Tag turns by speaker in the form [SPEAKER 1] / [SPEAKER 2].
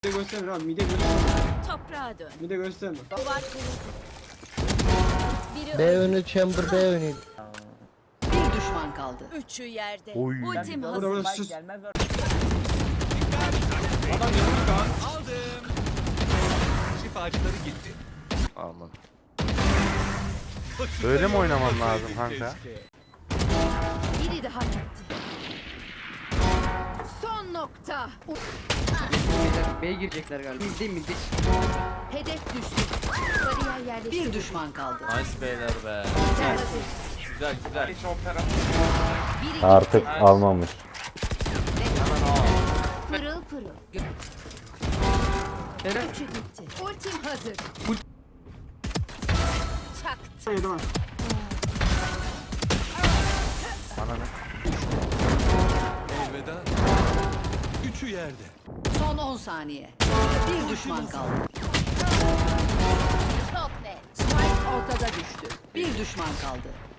[SPEAKER 1] Mide gösterme abi, mide gösterme.
[SPEAKER 2] Toprağa dön.
[SPEAKER 1] Mide gösterme.
[SPEAKER 2] Duvar kırıldı. Biri
[SPEAKER 3] B önü chamber B önü.
[SPEAKER 4] Bir düşman kaldı.
[SPEAKER 2] Üçü yerde.
[SPEAKER 5] Oy.
[SPEAKER 2] Ultim
[SPEAKER 1] Burada
[SPEAKER 2] hazır.
[SPEAKER 1] burası sus.
[SPEAKER 6] Gelmez var.
[SPEAKER 1] Adam yanıyor kan.
[SPEAKER 7] Aldım. Şifacıları gitti.
[SPEAKER 5] Aman. Böyle mi oynaman lazım kanka?
[SPEAKER 2] Biri daha gitti. Son nokta.
[SPEAKER 6] B'ye girecekler galiba. Bildi.
[SPEAKER 2] Hedef düştü. Bariyer yerleşti.
[SPEAKER 4] Bir düşman kaldı.
[SPEAKER 7] Nice beyler be. Güzel güzel.
[SPEAKER 2] Biri
[SPEAKER 8] Artık almamış.
[SPEAKER 2] pırıl pırıl. Üçü gitti. Ultim hazır. Çaktı.
[SPEAKER 1] Hayır tamam.
[SPEAKER 5] Bana ne?
[SPEAKER 7] Elveda. Üçü yerde.
[SPEAKER 4] Son 10 saniye. Bir düşman kaldı.
[SPEAKER 2] Çok net.
[SPEAKER 4] Spike ortada düştü. Bir düşman kaldı.